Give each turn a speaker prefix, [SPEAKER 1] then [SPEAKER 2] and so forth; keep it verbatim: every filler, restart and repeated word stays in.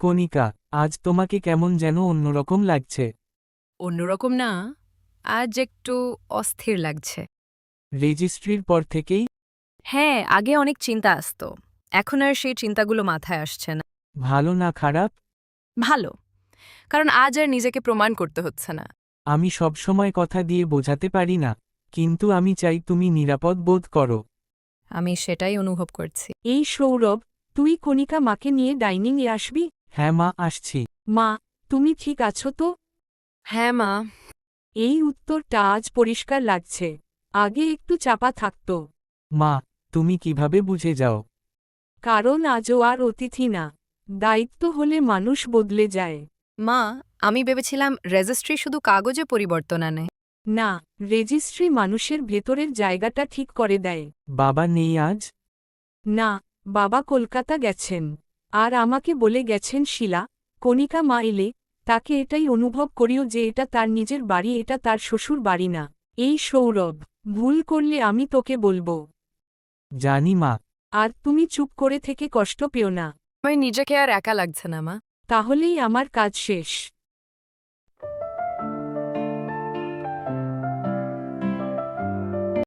[SPEAKER 1] কণিকা, আজ তোমাকে কেমন যেন অন্যরকম লাগছে।
[SPEAKER 2] অন্যরকম না, আজ একটু অস্থির লাগছে।
[SPEAKER 1] রেজিস্ট্রির পর থেকেই?
[SPEAKER 2] হ্যাঁ, আগে অনেক চিন্তা আসতো, এখন আর সেই চিন্তাগুলো মাথায় আসছে না।
[SPEAKER 1] ভালো না খারাপ?
[SPEAKER 2] ভালো, কারণ আজ আর নিজেকে প্রমাণ করতে হচ্ছে না।
[SPEAKER 1] আমি সবসময় কথা দিয়ে বোঝাতে পারি না, কিন্তু আমি চাই তুমি নিরাপদ বোধ করো।
[SPEAKER 2] আমি সেটাই অনুভব করছি।
[SPEAKER 3] এই সৌরভ, তুই কণিকা মাকে নিয়ে ডাইনিংয়ে আসবি?
[SPEAKER 1] হ্যাঁ মা, আসছি।
[SPEAKER 3] মা, তুমি ঠিক আছো তো?
[SPEAKER 2] হ্যাঁ মা।
[SPEAKER 3] এই উত্তরটা আজ পরিষ্কার লাগছে, আগে একটু চাপা থাকত।
[SPEAKER 1] মা, তুমি কিভাবে বুঝে যাও?
[SPEAKER 3] কারণ আজও আর অতিথি না, দায়িত্ব হলে মানুষ বদলে যায়।
[SPEAKER 2] মা, আমি ভেবেছিলাম রেজিস্ট্রি শুধু কাগজে পরিবর্তন আনে।
[SPEAKER 3] না, রেজিস্ট্রি মানুষের ভেতরের জায়গাটা ঠিক করে দেয়।
[SPEAKER 1] বাবা নেই আজ?
[SPEAKER 3] না, বাবা কলকাতা গেছেন। আর আমাকে বলে গেছেন শিলা, কণিকা মা এলে তাকে এটাই অনুভব করিও যে এটা তার নিজের বাড়ি, এটা তার শ্বশুর বাড়ি না। এই সৌরভ, ভুল করলে আমি তোকে বলবো।
[SPEAKER 1] জানি মা।
[SPEAKER 3] আর তুমি চুপ করে থেকে কষ্ট পেও না।
[SPEAKER 2] আমার নিজেকে আর একা লাগছে না মা।
[SPEAKER 3] তাহলেই আমার কাজ শেষ।